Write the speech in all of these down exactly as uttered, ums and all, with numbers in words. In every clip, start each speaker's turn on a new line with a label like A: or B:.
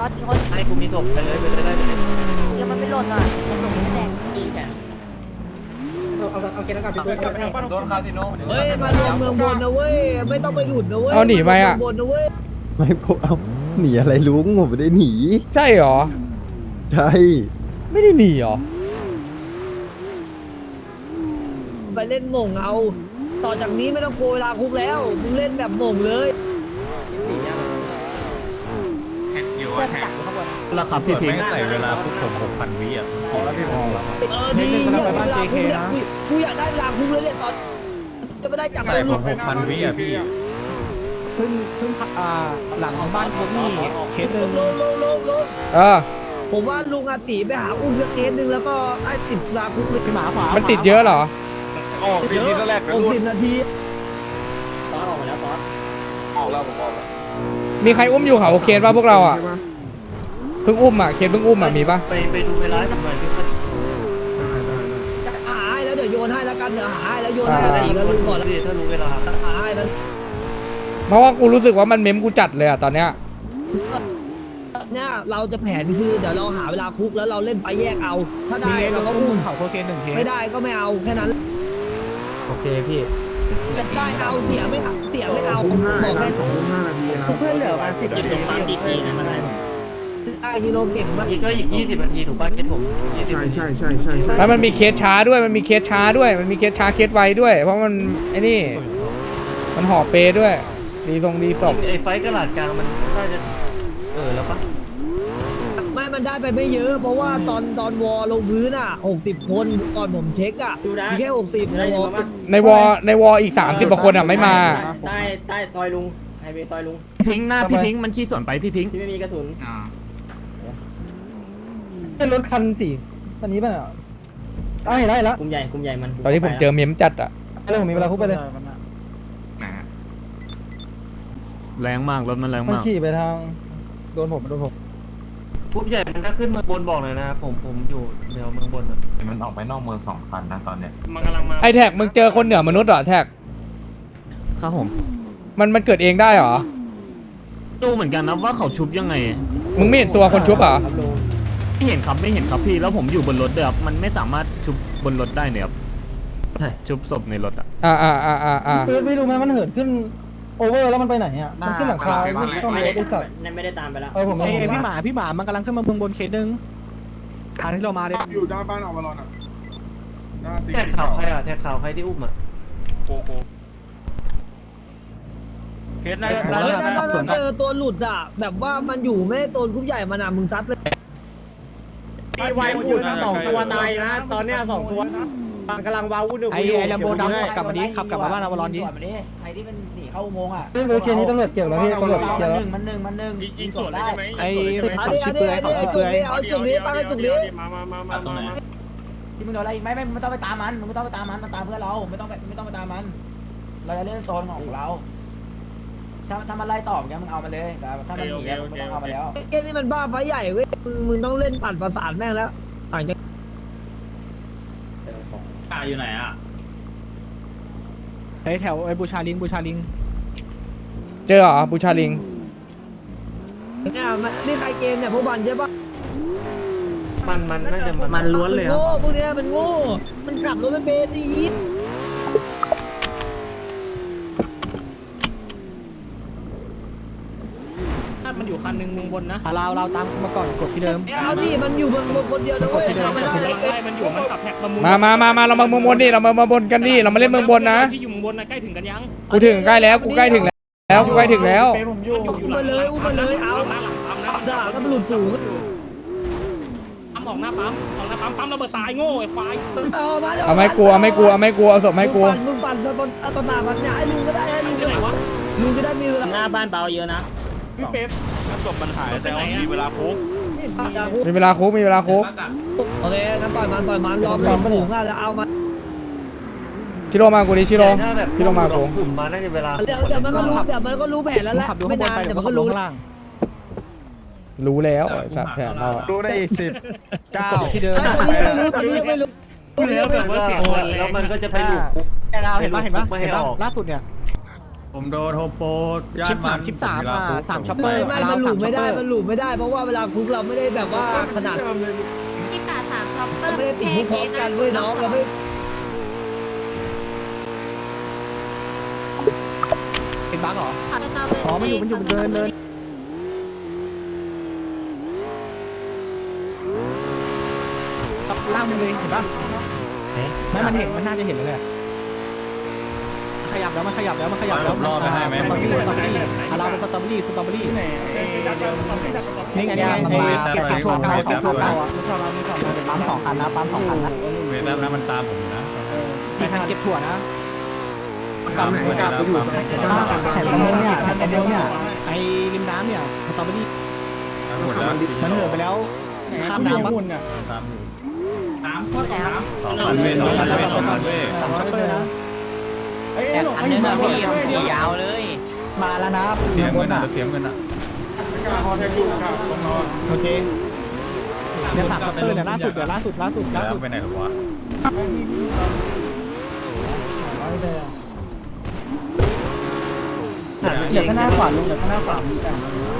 A: ตอนกี่คน
B: ให้กูมีศพไปเลยไปเลยได้ไปเลย
A: เดี๋ยวมันไม่หล่นอ่ะมันหล่นไม่แดง
B: มีแขน
C: เอาเอาเอาเกณฑ์แล้วกันพี่เพื่อน
B: โดนคาสิโน
D: เฮ้ยมารวมเมืองบนนะเว้ยไม่ต้องไปหลุดนะเว้ย
E: เอาหนีไปอะ
D: เมืงบนนะเว้ย
F: ไม่พวกเอาหนีอะไรลุงผมไม่ได้หนี
E: ใช่เหรอ
F: ใช่
E: ไม่ได้หนีเหรอ
D: ไปเล่นหม่งเอา ต่อจากนี้ไม่ต้องโกยเวลาคุกแล้วมึงเล่นแบบหม่งเลย
B: อยู่
A: เพื่อน
B: แท็
A: จั
B: ก
A: บอยู่ข้างบน
B: ราคาพี่พิงใส่เวลาพวกผมหกพันวิอ่ะพอแล้วพี่พอแล้ว
D: เออดีเนี่ยเวลาคุกเนี่ยกูกูอยากได้เวลาคุกเลยเนี่ยตอนจะไม่ได้จับ
B: ใส่ผมหกพันวิอ่ะพี่
C: ซึ่งซึ่งอ่าหลังบ้านโคนี่เคสหนึ่ง
D: ลงลงลงลง
E: เออ
D: ผมว่าลุงอาติไปหาอุ้มสักเคสหนึ่งแล้วก็ได้ติดเวลาคุกเลย
C: พี่หมาขวา
E: มันติดเยอะเหรอ
B: ออกพี่ทีแรก
D: หกสิบนาที
B: ตอนออกมาแล้วตอนออกแล้วผมออกแล้ว
E: มีใครอุ้มอยู่เขาโอเคป่ะพวกเราอ่ะ เพิ่งอุ้มอ่ะ เคนเพิ่งอุ้มอ่ะ มีป่ะ
B: ไปไปดูเวลาหน่อยพี่
D: จะหาให้แล้วเดี๋ยวโยนให้แล้วกันเดี๋ยวหาให้แล้วโยนให้อาติกับลุงก่อนแล้ว
B: ถ้ารู้เวลา
D: หาให้มัน
E: เพราะว่ากูรู้สึกว่ามันเม้มกูจัดเลยอ่ะตอนเนี้ย
D: เนี่ยเราจะแผนคือเดี๋ยวเราหาเวลาคุกแล้วเราเล่นไฟแยกเอา ถ้าได้เราก็อุ้ม
C: เขาโคเคนหนึ่งเคส
D: ไม่ได้ก็ไม่เอาแค่นั้น
B: โอเคพี่
D: จะได้เอาเสียไม่เอาเสียไม่เอาบอกแค่
C: เพื่อนเหลือมาสิบ
B: ยิงตรงปั๊มดีทีนะมันได้
D: ได้ฮีโร่เก่งมาก
B: อีกก็อีกยี่สิบนาทีถูกป่ะเคสผมยี่สิบ
G: ใช่ใช่ใช่ใช่ใช่
E: แล้วมันมีเคสช้าด้วย มันมีเคสช้าด้วย มันมีเคสช้าเคสไวด้วย เพราะมันไอ้นี่ มันห่อเปด้วย ดีทรงดีศพ
B: ไอ้ไฟกระดาษกลางมันน่าจะเออแล้วปะ
D: ไม่มันได้ไปไม่เยอะ เพราะว่าตอนตอนวอลงพื้นอ่ะหกสิบคนก่อนผมเช็คอ่ะมีแค่หกสิบในวอล
E: ในวอในวออีกสามสิบกว่าคนอ่ะไม่มา
H: ใต้ใต้ซอยลุงไฮเวย์ซอยลุง
B: พิงหน้าพี่พิงมันชี้ส่วนไปพี่พิง
H: ที่ไม่มีกระสุน
C: เป็นรถคันสี่คันนี้ป่ะได้ได้แล้ว
H: กลุ่มใหญ่กลุ่มใหญ่มัน
E: ตอนนี้ผมเจอเม้มจัดอ่ะ
C: ไปเลยผมมีเวลาคุกไปเลย
B: แรงมากรถมันแรง
C: มัน
B: มาก
C: ขี่ไปทางโดนผมโดนผม
B: ปุ๊บใหญ่มันถ้าขึ้นมาบนบอกเลยนะผมผมอยู่แนวเมืองบนอ่ะ
I: มันออกไปนอกเมืองสองพันนะตอนเนี้ย
B: มันกำลังมา
E: ไอแท็กมึงเจอคนเหนือมนุษย์เหรอแท็ก
B: ครับผม
E: มันมันเกิดเองได้เหรอ
B: ดูเหมือนกันนะว่าเขาชุบยังไง
E: มึงไม่เห็นตัวคนชุบเหรอ
B: ไม่เห็นครับไม่เห็นครับพี่แล้วผมอยู่บนรถเด้อครับมันไม่สามารถชุบบนรถได้เนี่ยครับชุบศพในรถอ่ะ
E: อ่าอ่าอ่าอ่าอ่า
C: คือไม่รู้ไหมมันเหินขึ้นโอเวอร์แล้วมันไปไหนอ่ะมันขึ้นหลังคาต้อง
H: ไม่
C: มี
H: ได้
C: ไอ้สัตว์
H: ไม่ได้ตามไปแล้ว
C: เออผม
G: ไอ้
C: ไม่
G: พี่หมาพี่หมามันกำลังขึ้นมาเมืองบนเคสหนึ่งทางที่เรามาเลย
J: อยู่หน้าบ้านอวารอนอ่ะหน้าสี
B: แท็กข่าวใครอ่ะแท็กข่าวใครที่อุ้มอ่ะ
J: โกโก้เคสน่าจะ
D: เฮ้ยถ้าถ้าเจอตัวหลุดอ่ะแบบว่ามันอยู่ไม่ได้โซนกรุ๊ปใหญ่มานานมึงซัดเลย
H: มีไวอุ่นสองตัวตายนะตอนเนี้ยสองตัวกำลังวาวุ่น
G: ไอ้ไอ้แลมโบดำขับกลับมาดิขับกลับมาบ้านอวารอนดิ
H: ไอ้ที่มันหนีเข้าอุโมงค์อ่ะ
C: เรื่องเคสนี้ตำรวจเกี่ยวแล้วพี่ตำรวจเคลียร์แล้ว
H: มันหนึ่งมันหนึ่ง
J: ยิงสวนได้ไหม
G: ไอ้
D: อัน
G: เขา
D: นี้อั
G: ชื่
D: น
G: อ
D: นี้
G: เปื่อย
D: อัน
G: เขา
D: นี้
G: ชื่อ
D: เอา
G: เปื่อย
D: จุดนี้ตั้งไอ้จุดนี้
J: มามามามามา
H: ที่มึงโดนอะไรไม่ไม่ไม่ต้องไปตามมันมึงไม่ต้องไปตามมันมันตามเพื่อนเราไม่ต้องไปไม่ต้องไปตามมัน เราจะเล่นโซนของเราถ้าถ้ามันไล่ตอบแกมึงเอามาเลยแต่ถ้ามันหนีมึงไม่ต้องเอามาแล้ว
D: เกมนี้มันบ้าไฟใหญ่เว้ยมึงมึงต้องเล่นปั่นประสานแม่งแล้วต่างจาก
B: อ่าอยู่ไหนอ่ะ
G: ไอ้แถวไอ้บูชาลิงบูชาลิง
E: เจอเหรอบูชาลิง
D: เนี่ยมันนี่ใครเกมเนี่ยพวกบันใช่ปะ
B: มันมันน่าจะมันล้วนเลย
D: โง่พวกเนี้ยมันโง่มันขับรถไม่เป็นดี
B: มันอยู่คันหนึ่งมุงบนนะ
G: อ่ะเราเราตามมาก่อนกดที่เดิม
D: เอาดิมันอยู่เมืองคนเดียวนะเว้ยไม่ได้เลย
B: ไล่มันอยู่มันขับแท็กมามุง
E: มามามามาเรามาเมืองบนดิเรามาเมืองบนกันดิเรามาเล่นเมืองบนนะ
B: ที่อยู่มุงบนนะใกล้ถึงกันยัง
E: กูถึงใกล้แล้ว กูใกล้ถึงแล้ว กูใกล้ถึงแล้ว
D: อุ้มมาเลยอุ้มมาเลยเอาด่าก็มันหลุดสูง
B: ปั๊มออกหน้าปั๊มออกหน้าปั๊มปั๊มระเบิดตายโง่ไอ้ควาย
D: เอามา
E: เอาไม่กลัวไม่กลัวไม่กลัวเอาศพไม่กลัว
D: มึงปั่นมึงปั่นตอนตาบันเนี่ยให้ลุงก็ได้ให้ลุงก็ได้ลุงจะได้มีเวลา
H: หน้าบ้านเบาเยอะนะ
B: พี่เป๊ปศพมันหายแต่ว่ามีเวลาพุก
E: มีเวลาคุกมีเวลาคุก
D: โอเคงั้นปล่อยมันปล่อยมันรอมันสูงอ่ะแล้วเอามา
E: ชิโร่มากูดิชิโร่
B: ถ้าแบบ
E: ชิโร่มากู
B: กลุ่มมาน่าจะเวลา
D: เดี๋ยวเดี๋ยวมันก็รู้เดี๋ยวมันก็รู้แผนแล้วแหละ
G: ขับดู
D: ไม่
G: ข้างบน
D: นาน
G: ไป
D: เดี๋
G: เดี๋
D: ย
G: ยว ว
D: มัน
G: ก็
D: ก็
G: ล
D: รู้
G: งข้างล่าง
E: รู้แล้วไอ้สัตว์แผนเราอะ
J: ดูได้อีกสิบเก้า
G: ที่เดิม
D: ตอนนี้ไม่รู้ตอนนี้ยังไม่รู้
B: แล้วแบบว่าเสียงแล้วมันก็จะไปหลุดคุก
G: แกดาวเห็นปะเห็นปะ
B: ไม่ให้
G: เห็นปะ
B: ออก
G: ล่าสุดเนี่ย
I: ผมโดนโฮโป
C: ชิปสามชิปสามอ่ะสามช็อปเปอ
D: ไม่
C: ร์
D: ไม่มันหลุดไม่ได้
C: ช็อปเปอร์
D: มันหลุดไม่ได้เพราะว่าเวลาคุกเราไม่ได้แบบว่าขนาด
A: พี่กาสามช็อปเปอ
D: เรา
A: ร์
D: ไม่ได้ติดคุกพร้อมกันด้วยน้องเราไม่
C: เป็นบั๊กเหรอ
A: ขอสตอเบอร์
C: อ๋อมันอยู่มันอยู่มันเดินเดินตับล่างมันเลยเห็นปะไม่มันเห็นมันน่าจะเห็นเลยอะขยับแล้วมันขยับแล้วมันขยับแล้วสตรอเบอรี่สตรอเบอรี่อาราเป็นสตรอเบอรี่สตรอเบอรี่นี่ไงนี่ไงไอ้เก็บถั่วเก่าเก็บถั่วเก่าอ่ะปั๊มสองคันนะปั๊มสองคันนะ
I: เวทแล้วมันตามผมนะ
C: มีคันเก็บถั่วนะปั๊มไหนกลับไปอยู่ตรงแผ่นตรงนี้เนี่ยแผ่นตรงนี้เนี่ยไอ้ริมน้ำเนี่ยสตรอเบอรี่
I: หมดแล้ว
C: มันเหินไปแล้วข้ามน้ำปะ
I: ตามอยู่
A: พูดแล้ว
I: สองพันเวทสองพันเวทสองพันเวท
C: สามช็อปเปอร์นะ
A: อันนึงอะพี่พี่ยาวเลย
C: มาแล้วนะ
I: เสียเงินอ่ะเสียเงินอ่ะ
C: โอเคเนี่ยสามช็อปเปอร์เนี่ยล่าสุดเดี๋ยวล่าสุดล่าสุดล่า
I: แล้ว
C: สุด
I: ไปไหนหรอวะ
C: เหลือข้างหน้าขวาลุงเหลือข้างหน้าขวามีแต่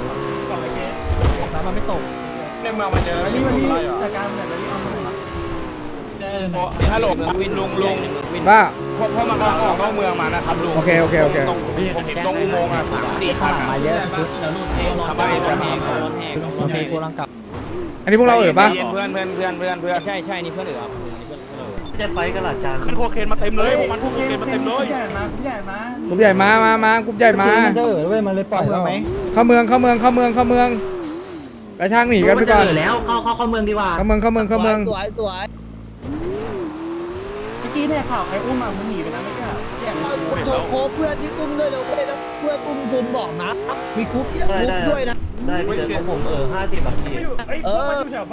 C: แล้วมันไม่ตก
J: ในเมืองมันเจอนี่มันมีจากการแบบนี้เอามาฮัลโหลวินลุงลุง
E: ว่า
J: พอพอมันกำลังออกนอกเมืองมานะครับลุง
E: โอเคโอเคโอเค
J: ตรงผมเห็นตรงอุโมงค์อ่ะสามสี่คัน
C: มาเยอะชุด
J: ทำไมทำไม
C: โอเคกูรังกลับ
E: อันนี้พวกเราเอ่ยปะ
J: เพื่อนเพื่อนเพื่อนเพื่อนเพื่อน
B: ใช่ใช่นี่เพื่อนเอ๋อจะไฟกันหลักจาน
J: มันโคเคนมาเต็มเลยพวกมันโคเคนมาเต็มเลย
E: กลุ่มใหญ่มามามากลุ่มใหญ่มา
C: เจอเว้ยมันเลยปล่อยไหม
E: เข้าเมืองเข้าเมืองเข้าเมืองเข้าเมืองกระช่างหนีกันไปก่อน
B: แล้วเข้าเข้าเข้าเมืองดีกว่า
E: เข้าเมืองเข้าเมืองเข้าเมือง
D: สวยสวย
C: เมื่อกี้เนี่ยข่าวใครอุ้มมามันหนีไปแล้วไม่ใช่
D: เนี่ยเราโชว์โค้ชเพื่อนที่อุ้มด้วยนะเว้ยนะเพื่อนอุ้มซุนบอกนะมีคุกเยอะคุกด้วยนะ
B: ได้พี่เดี๋ยวผมเออห้าสิบบาทพี่
D: เออ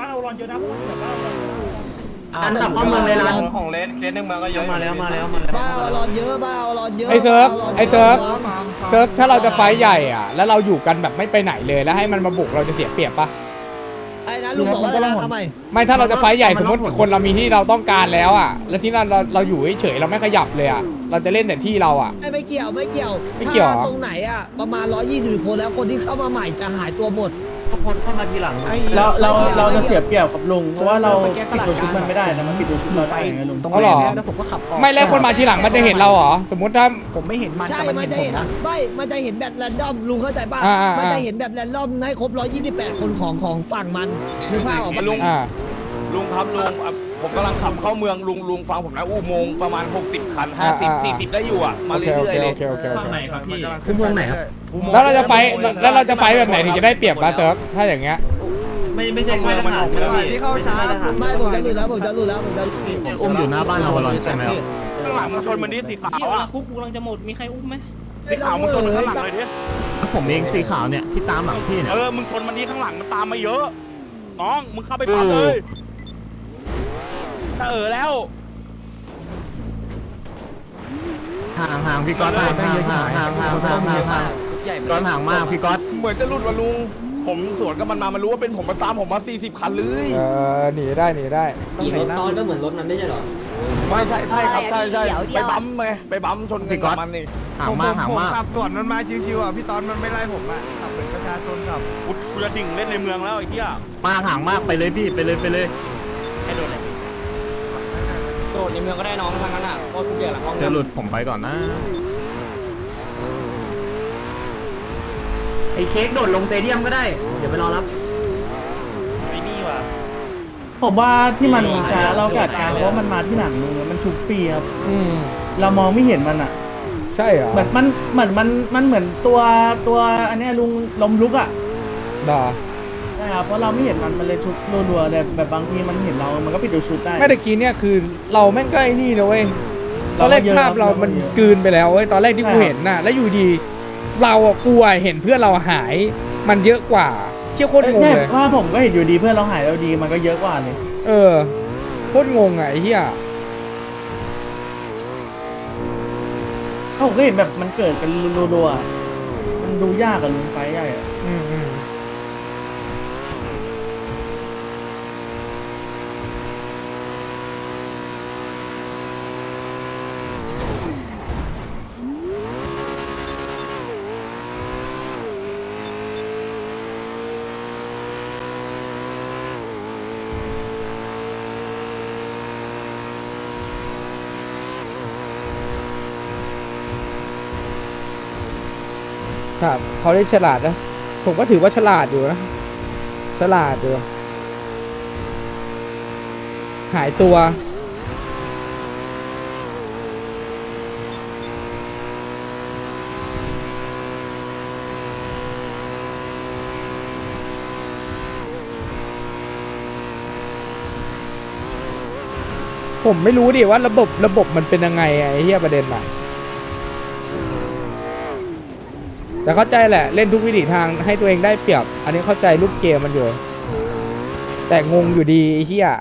B: อันดับเข้าเมืองเลยร้าน
J: ของเลนเคสในเมืองก็เยอะ
B: มาแล้วมาแล้วมาแล้ว
D: บ้าเอารอนเยอะบ้าเอารอนเยอะ
E: ไอ้เซิร์ฟไอ้เซิร์ฟเซิร์ฟถ้าเราจะไฟท์ใหญ่อ่ะแล้วเราอยู่กันแบบไม่ไปไหนเลยแล้วให้มันมาบุกเราจะเสียเปรียบปะ
D: ไอ้นะลุงบอกว่าอะไรนะทำไม
E: ไม่ถ้าเราจะไฟท์ใหญ่สมมติคนเรามีที่เราต้องการแล้วอ่ะแล้วที่เราเราเราอยู่เฉยๆเราไม่ขยับเลยอ่ะเราจะเล่นแต่ที่เราอ่ะ
D: ไม่ไม่เกี่ยวไม่เกี่ยว
E: ไม่เกี่ยวเหรอ
D: ถ้าตรงไหนอ่ะประมาณร้อยยี่สิบคนแล้วคนที่เข้ามาใหม่จะหายตัวหมด
B: ก็พ้นเข้ามาทีหลัง
C: เราเราเราจะเสียเปรียบกับลุงเพราะว่าเราปิดตัวชุดมันไม่ได้แต่มันปิดตัวชุดเราได้ไงลุงตรงนี้แล้วผมก็ขับออก
E: ไม่แล้วคนมาทีหลังมันจะเห็นเราเหรอสมมติถ้า
C: ผมไม่เห็นมัน
D: ใช่
C: แต่
D: มั
C: มัน น
D: จะ
C: เห็นผ
D: เห็
C: ม
D: น
C: นะ
D: ไม่มันจะเห็นแบบแรนดอมลุงเข้าใจป่ะ
E: อ่าอ่าอ่ามั
D: มันจะเห็นแบบแรนดอมให้ครบร้อยยี่สิบแปดคนของของฝั่งมันนึกภาพออกปะ
J: ลุง
E: อ่า
J: ลุงครับลุงผมกำลังขับเข้าเมืองลุงลุงฟังผมนะอุโมงค์ประมาณหกสิบคันห้าสิบสี่สิบได้อยู่อ่ะมา
E: โอเค
J: เรื่
E: โอ
J: อย
E: เค
J: ๆเล
E: โอย เคโอเคโอเค
B: คือเมืองไหนครับ
E: แล้วเราจะไฟท์แล้วเราจะไฟท์แบบไหนถึงจะได้เปรียบมาเซิร์ฟถ้าอย่างเงี้ย
B: ไม่ไม่ใช่ค่ายทหารใช่ไหมพี่ไม่ใช่ค่ายทหาร
D: ไม่ผมจะหลุดแล้วผมจะหลุดแล้วผมจะ
B: อุ้มอยู่หน้าบ้านอวารอนใช่ไหมครับ
J: ข้างหลังมันชนมันนี่สีขาวอ่ะ
A: คุกกูกำลังจะหมดมีใครอุ้มไหม
J: สีขาวมันชนมันข้างหลังเลยดิ
B: ผมเองสีขาวเนี่ยที่ตามหลังพี่เนี่ย
J: เออมึงชนมันนี่ข้างหลังมันตามมาเยอะน้องมึงเข้าไปปั๊มเลยถ้าเออแล้ว
B: ห่างห่างพี่ก๊อตห่างห่างห่างห่างห่างห่างห่างห่างก๊อตห่างมากพี่ก๊อต
J: เหมือนจะหลุดว่ะลุงผมสวนกับมันมามันรู้ว่าเป็นผมมาตามผมมาสี่สิบคันเลย
E: เออหนีได้หนีได้
B: ขี่รถตอนก็เหมือนรถนั้นไม่ใช่หรอ
J: ไม่ใช่ใช่ครับใช่ใช่ไปบั๊มไงไปบั๊มชนกับมันนี่
B: ห่างมากห่างมาก
G: ขับสวนมันมาชิวๆอ่ะพี่ตอนมันไม่ไล่ผมอ่ะขับเหมือนประชาชนขับ
J: กูกูจะดิ่งเล่นในเมืองแล้วไอ้เหี้ย
B: มากห่างมากไปเลยพี่ไปเลยไปเลย
J: ให้โดนเลย
B: โดดในเมืองก็ได้น้องทางนั้นอ่ะโคตรทุกอย่างหลังห้องจะหลุดผมไปก่อนนะไอ้เค้กโดดลงเตเดียมก็ได้เดี๋ยวไปรอรับ
J: ไอ้นี่ว่ะ
C: ผมว่าที่มันช้าเรากัดการเพราะมันมาที่หลังลุงมันชุบปีครับ
E: อืม
C: เรามองไม่เห็นมันอ่ะ
E: ใช่เหรอ
C: เหมือนมันเหมือนมันมันเหมือนตัวตัวอันเนี้ยลุงลมลุกอ่ะ
E: ด่า
C: ใช่ครับเพราะเราไม่เห็นมันมันเลยชุบรัวๆแต่แบบบางทีมันเห็นเรา มันก็ปิดตัวชุดได้
E: ไม่ตะกี้เนี่ยคือเราแม่งก็ไอ้นี่นะเว้ยตอนแรก
C: เราก็เยอะ
E: ภาพเรามัน
C: เราก็เยอะ
E: กลืนไปแล้วเว้ยตอนแรกที่กู
C: ใช่ครับ
E: เห็นน่ะแล้วอยู่ดี เราอะกลัวเห็นเพื่อนเราหาย มันเยอะกว่าเชี่ยโคตรงง
C: ใช่
E: เลย
C: ว่าผมก็เห็นอยู่ดีเพื่อนเราหายเราดีมันก็เยอะกว่าเลย
E: เออโคตรงงอ่ะไอ้เหี้ย
C: ผมก็เห็นแบบมันเกิดกันรัวๆอะมันดูยากกับลุงไฟใหญ่อะ
E: อืมอืมครับเขาได้ฉลาดนะผมก็ถือว่าฉลาดอยู่นะฉลาดอยู่หายตัวผมไม่รู้ดิว่าระบบระบบมันเป็นยังไงไอ้เหี้ยประเด็นอะแต่เข้าใจแหละเล่นทุกวิถีทางให้ตัวเองได้เปรียบอันนี้เข้าใจรูปเกมมันอยู่แต่งงอยู่ดีไอ้เหี้ย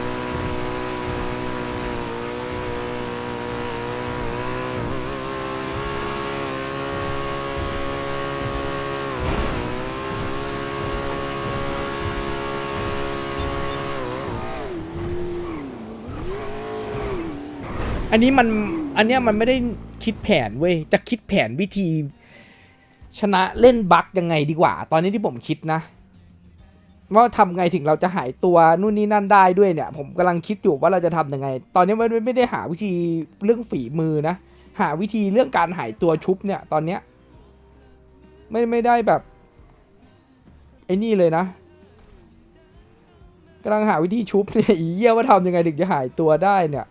E: อันนี้มันอันเนี้ยมันไม่ได้คิดแผนเว้ยจะคิดแผนวิธีชนะเล่นบั๊กยังไงดีกว่าตอนนี้ที่ผมคิดนะว่าทำไงถึงเราจะหายตัวนู่นนี่นั่นได้ด้วยเนี่ยผมกำลังคิดอยู่ว่าเราจะทำยังไงตอนนี้ไม่ไม่ได้หาวิธีเรื่องฝีมือนะหาวิธีเรื่องการหายตัวชุบเนี่ยตอนเนี้ยไม่ไม่ได้แบบไอ้นี่เลยนะกำลังหาวิธีชุบเนี่ยอีเหี้ยว่าทำยังไงถึงจะหายตัวได้เนี่ย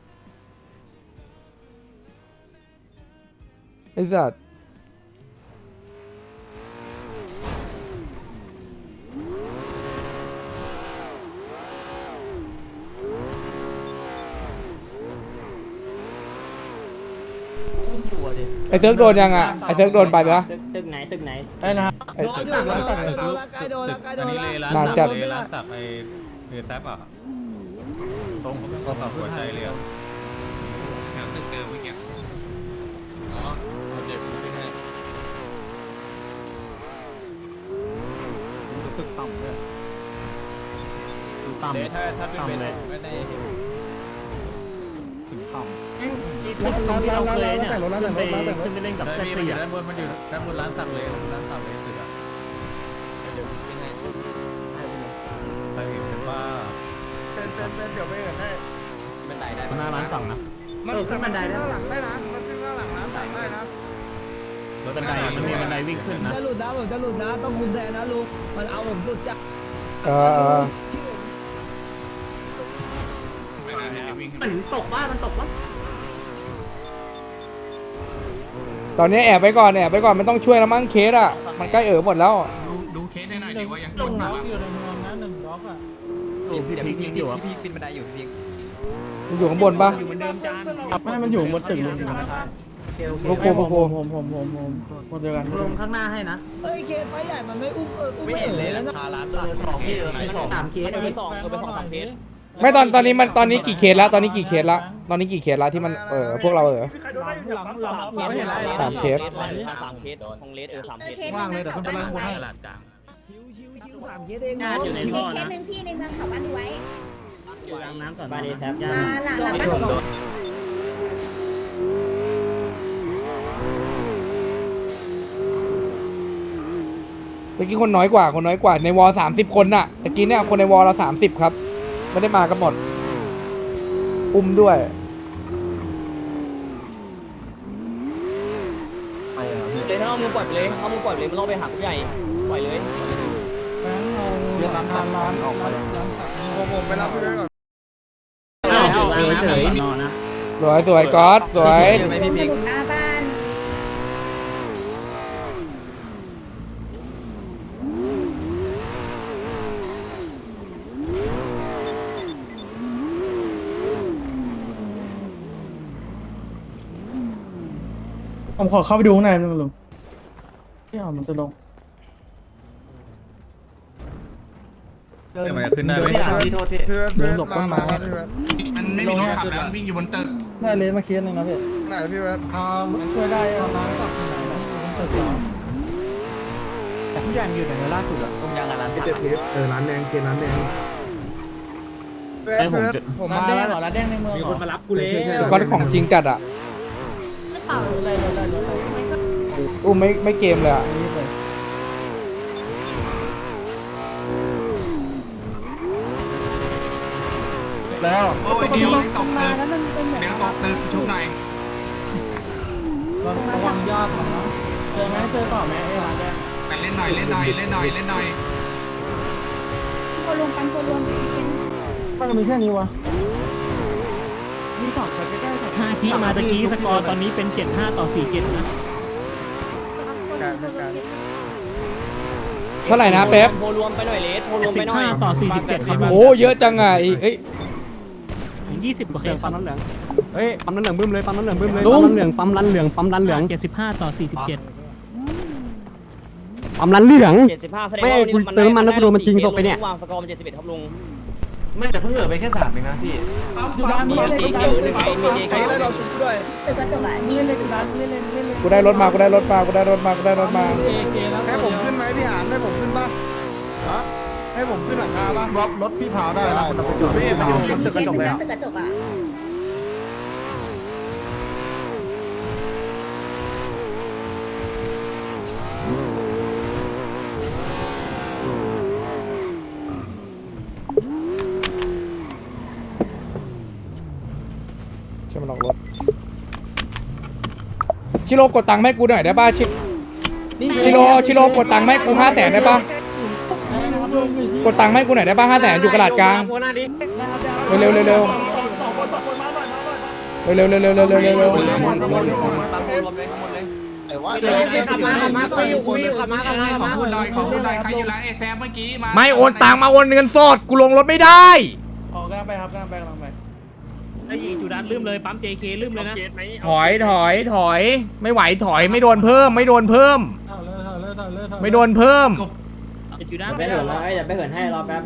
E: ไอ้สัตว์ไอ้เซิร์กโดนยังอ่ะไอ้เซิร์กโดนไปปะ
A: ตึกไหนตึกไหน
G: ได้นะ
E: ไอ้
D: โดนอยู่โดนอยู่โดนละใกล้โดนละใกล้โด
I: อัน
D: น
I: นี้
D: ละ
I: เลยร้าน
E: นาน
I: สั
E: จัด
I: กเลยร้านสักไอ้เฮแซปอ่ะตรงเขาขับหัวใจเลยอ่ะแถวตึกเดิมเมื่อกี้อ๋อเดี๋ยวขึ้นให้
G: ตึกต่ำด้วยต่ำ
I: เดี๋ยวถ้าถ้าขึ้นไปได้ไม่ได้
G: ถึงต่ำ
B: รถที่เราเคยเนี่ยขึ้นไปขึ้นไปเล่นกับ
I: ได้
B: แท็ก
I: พี่มัน
B: ซี่
I: อยู่
B: อ่ะ
I: ด้านบนมันอยู่ด้านบนร้านสักเลยร้านสักเลยตึกอ่ะเดี๋ยวขึ้นให้ไปเป็นว่า
J: เป็นเป็นเป็นเดี๋ยวไปเอินได้
A: บันไดได้
B: หน้าร้านสั่งนะ
J: มันขึ้นบันไดได้หลังได้นะมันขึ้นหน้าหลังร้านสั่งได้นะ
B: รถบันไดมันมีบันไดวิ่งขึ้นนะ
D: จะหลุดนะผมจะหลุดนะต้องคุมแทนนะลุงมันเอาผมสุดจ้ะ
E: เออเออ
A: มันตกว่ามันตกว่า
E: ตอนนี้แอบไปก่อนแอบไปก่อนมันต้องช่วยแล้วมั้งเคสอ่ะมันใกล้เอ๋อหมดแล้ว
I: ดูเคสได้หน่อยดีว่ายัง
G: ตรงนั้นอยู่ในเมืองนะหนึ่งบล็อกอ่ะ
B: พี่พิกยิงอยู่อ่ะ
A: พี่ปีนบันไดอยู่พี่
E: มันอยู่ข้างบนปะ
A: อยู่เหมือนเดิมจาน
G: ไม่มันอยู่บนตึกเลย
E: โอ้โหโอ้โห
G: ผมผมผมผมคนเดียวกัน
A: ลงข้างหน้าให้นะ
D: เอ้ยเคสไปใหญ่มันไม่อุ้มเอออุ้มไม่เห็นเลยแล้วนะ
A: สองพี่สองสามเคสไปสองไปสองสามเคส
E: ไม่ตอนตอนนี้มันตอนนี้กี่เคสแล้วตอนนี้กี่เคสแล้วตอนนี้กี่เคสแล้วที่มันเออพวกเราเออ
G: หลังหลัง
A: ไม่เห็น
E: สามเคส
A: สามเคสของเลสเออสามเคส
G: ว่างเลยแต่ขึ้นไปไล่ข้างบนให้
I: ตลาดกลาง
D: ชิวชิวชิวสามเคสเอง
A: อยู่ในท่อนะ
K: เคสหนึ่งพี่ในเมืองเขาบ้านไว้
A: อยู่หลังน้ำก่อนบาดีแซฟย่า
K: มาหลังหลังบ้านผม
E: เมื่อกี้คนน้อยกว่าคนน้อยกว่าในวอลสามสิบคนน่ะตะกี้เนี่ยคนในวอลเราสามสิบครับไม่ได้มากันหมดอุ้มด้วย
A: เลยถ้าเอามือปล่อยเลยเอามือปล่อยเลยมันล่อไปหาผู้ใหญ่ปล่อยเลย
G: เรียนร้านร้านออกไป
J: ผมผมไปรับพี่ด้วยก่อน
A: อ้าวเฉย
E: สวยสวยก๊อตสวย
K: สนุกหน้าบ้าน
G: ผมขอเข้าไปดูข้างในนึงลุงที่เอามันจะลง
I: แต่มันจะขึ้นได้ไหม
J: พี่โทษพี่เพื่อนเพื่อนหลบต้นไม้
I: มันไม่มีรถขับแล้วมันวิ่งอยู่บนตึก
G: ได้เลนมาเคสนึงนะพี่
J: ไหนพี่เพื่อน
G: อ่ามันช่วยได้เอาน้ำกับที่ไหนนะตึกสองแต่ทุกอย่างอยู่ไหนล่าสุดอะ
A: ต้มยางกับร้านสัก
F: เออร้านแดงเกร้านแดง
J: เพื่อน
B: ไอ้ผม
J: เพื่อน
B: จะ
J: ผม
G: ร้า
J: มาน
G: แด
J: แล้
G: ง
J: ว
G: เหรอร้านแดงในเมืองมีคนมารับกูเลย
E: ก๊อตของจริงจัดอ่ะ
K: กระเป๋า
G: อะไรอะไรอะไร
E: อุ้มไม่ไม่เกมเลยอ่ะ
G: นี่เลย
B: แล้ว
I: โอ้ยเดี๋ยวตก
K: มา
I: ตึก
K: แล้วมันเป็นเหมือน
I: เดี๋ยวตกตึกชุบหน่อย
G: ระวังยอดมันนะเจอไหมเจอต่อไหมไอ้ร้านแดง
I: เล่นหน่อยเล่นหน่อยเล่นหน่อยเล่นหน่อย
K: โครวมปันโครวม
C: มันมีแค่นี้วะ
G: มีสองคนใกล้ๆ
B: ห้าทีมาตะกี้สกอร์ตอนนี้เป็นเจ็ดห้าต่อสี่เจ็ดนะ
E: เท่าไหร่นะเป๊ป
A: โพรวมไปหน่อยเลสโพรวมไป
B: สิบ
A: หน่อย
B: ห้าต่อสี่สิบเจ็ดครับ
E: โอ้เยอะจังอ่ะไอ้เอ้ย
B: ยี่สิบกว่าเคสปั๊มน้ำเหลือง
C: เฮ้ยปั๊มน้ำเหลืองบึ้มเลยปั๊มน้ำเหลืองบึ้มเลยปั๊มน้ำเหลืองปั๊มรันเหลืองปั๊มรันเหลือง
B: เจ็ดสิบห้าต่อสี่สิบเจ็ด
C: ปั๊มรันเหลือง
A: เจ็ดสิบห้าแสดง
C: ไม่
A: ว่า
C: กูเติมน้ำมันแล้วกูโดนมันจริงตกไปเนี่ย
A: วางสกอร์มันเจ็ดสิบเอ็ดครับลุง
I: ไม่แต่เพิ่งเหลือไปแค่สามเองนะพี่
G: อยู่ด้าน
A: มี
G: นี้
A: ตีเขียวหนึ่งไงมีเขียวหนึ่ง
K: ตึกกระจกอ่ะนี่
G: เล่นร้านเล่นเล่นเล่นเล่น
E: กูได้รถมากูได้รถมากูได้รถมากูได้รถมา
G: เอเกแล้ว
C: ให้ผมขึ้นไหมพี่หานให้ผมขึ้นป่ะฮะให้ผมขึ้นหลังคาป่ะรถรถพี่เผาได้นะผมไปจอดไม่ไปอยู่ตึกกระจกเลย
K: ตึกกระจกอ่ะ
E: ใช่มันลองรถชิโร่กดตังค์ให้กูหน่อยได้ป่ะชิชิโร่ชิโร่กดตังค์ให้กูห้าแสนได้ป่ะกดตังค์ให้กูหน่อยได้ป่ะห้าแสนอยู่กระดาษกลางเร็วเร็วเร็วเร็วเร็วเร็วเร็วเร็วเร็วเร็วเร็ว
A: ขับมาขับมาก็อยู่คุยอยู่ขับมาขับมาขับมา
I: คุณหน่อยขอคุณหน่อยใครอยู่ร้านไอ้แซมเมื่อกี้มา
E: ไม่โอนตังค์มาโอนเงินสดกูลงรถไม่ได้
G: ออกกำลังไปครับกำลังไปกำลังไป
B: ไอ้จูดันลืมเลยปั๊ม เจ เค ลืมเลยนะ
E: ถอยถอยถอยไม่ไหวถอยไม่โดนเพิ่มไม่โดนเพิ่ม
G: เอาเลยเอาเลยเอาเลย
E: ไม่โดนเพิ่ม
B: จูดัน
A: ไปเหินแล้วอย่าไปเหินให้รอแป๊บ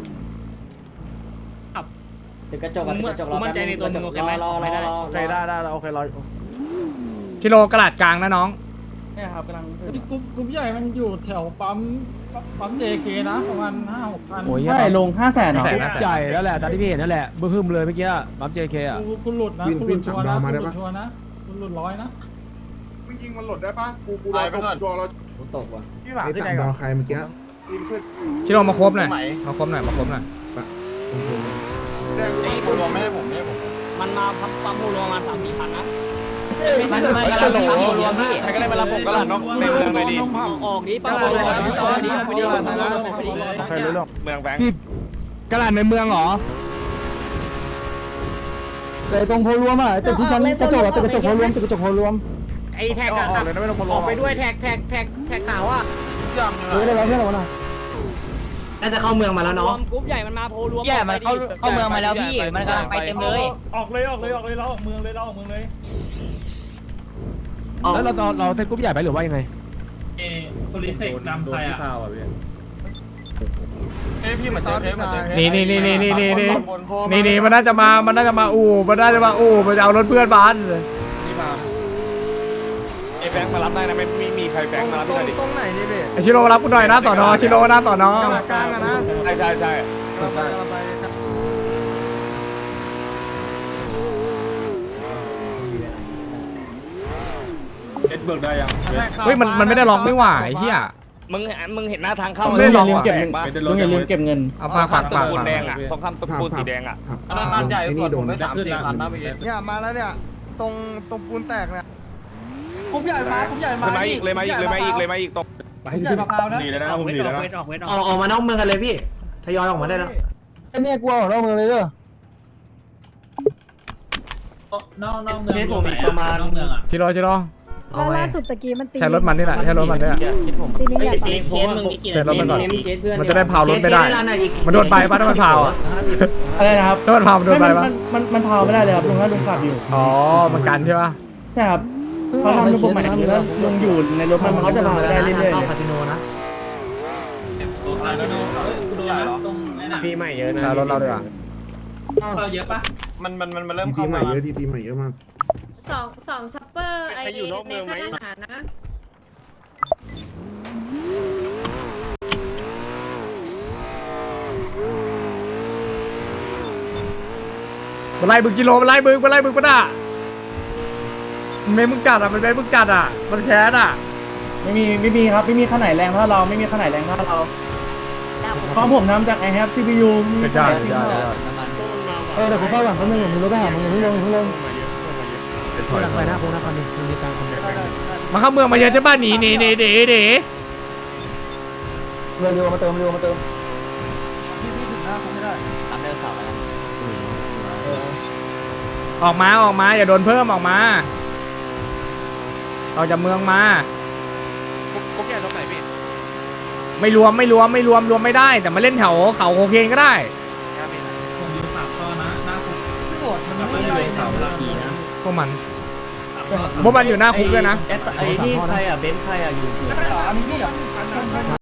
A: ตึกกระจกตึกกระจกรอแป๊บรอรอรอรอ
C: โอเคได้ได้โอเครอ
E: ชิโร่กระดาษกลางนะน้อง
G: เนี่ยครับกำลังกรุ๊ปกรุ๊ปใหญ่มันอยู่แถวปั๊มปั๊มเจเคนะประมาณห้าหกพัน
C: โอ้ยใช่ลงห้าแสน
E: ห้าแสนห้าแสน
C: ใหญ่แล้วแหละตอนที่พี่เห็นนั่นแหละบึ้มเลยเมื่อกี้ปั๊ม เจ เค อ่ะ
G: คุณหลุดนะคุณหลุดชัวร์นะคุณหลุดชัวร์นะคุณหลุดร้อยนะ
C: มึงยิงมันหลุดได้ปะกูกูรอตกตัวเรา
A: ตกว่ะ
C: พี่หวานที่ไหนก่อนใครเมื่อกี้ยิงขึ้น
E: ชิโร่มาครบหน่อยมาครบหน่อยมาครบหน่อย
C: แดง
J: ไอ้โพรวมไม่ให้ผมไม่ให้ผม
A: มันมาปั๊มปั๊มโพรวมมาสามสี่พันนะ
J: มันไม่กระโดดรวมพี่ใครก็ได้มารับผมก็หลั่นเนาะในเมืองเลยดิ
A: ออกนี้ปั๊มโพรวมออกนี้ออกนี้ออกนี้ออกนี้
C: ใครรู้หรอก
J: เมืองแบงค์
C: พี่กระดานในเมืองเหรอแต่ตรงโพรวมอ่ะตึกที่ชั้นกระจกตึกกระจกโพรวมตึกกระจกโพรวม
A: ไอ้แท็กอะครับออกไปด้วยแท็กแท็กแท็กแท็กขาวอ่ะ
C: เฮ้ยอะไรเพื่อนเราน่ะ
A: น่าจะเข้าเมืองมาแล้วเนาะกรุ๊ปใหญ่มันมาโพรวม ใหญ่มันเข้าเข้าเมืองมาแล้วพี่มันกำลังไปเต็มเลย
G: ออกเลยออกเลยออกเลยเราออกเมืองเลยเราออกเมืองเลย
C: แล้วเราเราเซตกรุ๊ปใหญ่ไปหรือว่ายังไง
G: เอโพลิเซกจำใครอ่ะ
J: เอ้ยพี่เหมือนเจอเทปเหมือนเจอเทป
E: นี่นี่นี่นี่นี่นี่นี่นี่นี่มันน่าจะมามันน่าจะมาอู่มันน่าจะมาอู่มันจะเอารถเพื่อนบ้าน
J: นี่มาไอ้แบงค์มารับได้นะไม่ไม่มีใครแบงค์มารับที่ไหนดิ
C: ตรงไหนนี่เบส
E: ไอชิโร่มารับกูหน่อยนะต่อนอชิโร่นะต่อนอก
C: ลางอะนะ
J: ใช่ใช่ใช่
C: เราไปเราไป
I: เอ็ดเบิร์กได้ยัง
E: เฮ้ยมันมันไม่ได้ล็อกไม่หว่าไอ้เหี้ย
J: มึงมึงเห็นหน้าทางเข้า
E: ไม่ได้ลองว่ะ
J: แดงปะ
C: ลุงอย่าลืมเก็บเงิน
E: เอาปากปาก
J: ตะ
E: ปาก
J: ปูนแดงอ่ะตรงข้ามตะปูนสีแดงอ่ะ
I: ธนาคารใหญ่ส่วนผมได้สามสี่พันนะพี่
C: เนี่ยมาแล้วเนี่ยตรงตรงปูนแตกเนี่ย
G: กรุ๊ปใหญ่มากรุ๊ปใหญ่มา
J: เลยมาอีกเลยมาอีกเลยมาอีกเลยมาอีกตก
G: กรุ๊ปใหญ่มะพร้าวนะ
I: หนีเลยนะผมหนีเลยนะ
B: ออกเวทอ
A: อ
B: อก
A: อกออกมานอกเมืองกันเลยพี่ทยอยออกมาได้แล้ว
C: เนี่ยกลัวของเราเมืองเลยเด้อน
G: อกนอกเมืองผมอีกประมาณนอกเมืองอ่ะ
E: ชิโร่ชิโร่
K: แล้วล่าสุดตะกี้มันตี
E: ใช้รถมันนี่แหละใช้รถมันนี่แหละ
K: ตีนี้อยากไป
A: เคสมึงมีกี่
E: ใช้รถมันก่อน
A: เคสเพื่อน
E: มันจะได้เผารถไม่ได้ มันโดนไปปะถ้ามันเผาอ่ะ
C: อะไรนะครับ
E: ถ้ามันเผามันโดนไปปะ
C: มันมันพาวไม่ได้เลยครับลุงถ้าลุงขับอยู่
E: อ๋อมันกันใช่ปะ
C: ใช่ครับเขาทำระบบใหม่นี้แล้วลุงอยู่ในรถมันเขาจะพาได้เรื่อยๆ
A: เข้าคาสิโนนะ
C: ปีใหม่เยอะนะ
E: ใช้รถเราดีกว่า
G: เราเยอะปะ
J: มันมันมันมันเริ่มเข้ามา
F: เยอะดีทีใหม่เยอะมาก
K: สองสองช็อปเปอร์ไอในค่ายทหารนะ
E: มันไล่บึงกิโลมันไล่บึงมันไล่บึงปะน่ะมันไม่มึงจัดอ่ะมันไม่มึงจัดอ่ะมันแค้นอ่ะ
C: ไม่มีไม่มีครับไม่มีข้างไหนแรงเท่าเราไม่มีข้างไหนแรงเท่าเราเพราะผมทำจาก I have ซี พี ยู
E: ไม่ได้ไม่ได้
C: เออเดี๋ยวผมเข้าหลังแป๊บนึงผมรู้ไปหามึงเพิ่งลงเพิ่งลงพลังไปนะพงนะคอนนี้มีการคอมเมนต์
E: มาเข้าเมืองมาเยอะใช่ป่ะหนีหนีหนีหนีหนี
C: เร็วๆมาเติมเร็วมาเติม
E: ออกมาออกมาอย่าโดนเพิ่มออกมาออกจากเมืองมา
I: กุ๊กแก่ตรงไหนพี่
E: ไม่รวมไม่รวมไม่รวมรวมไม่ได้ แต่มาเล่นแถวเขาโคเคนก็ได้
G: ผมอยู่สามข้อนะหน้าคุกไม่โหวตมันไม่ได้สามนาทีนะ
E: พวกมันพวกมันอยู่หน้าคุกด้วยนะ
B: ไอ้นี่ใครอ่ะเบนซ์ใครอ่ะอยู่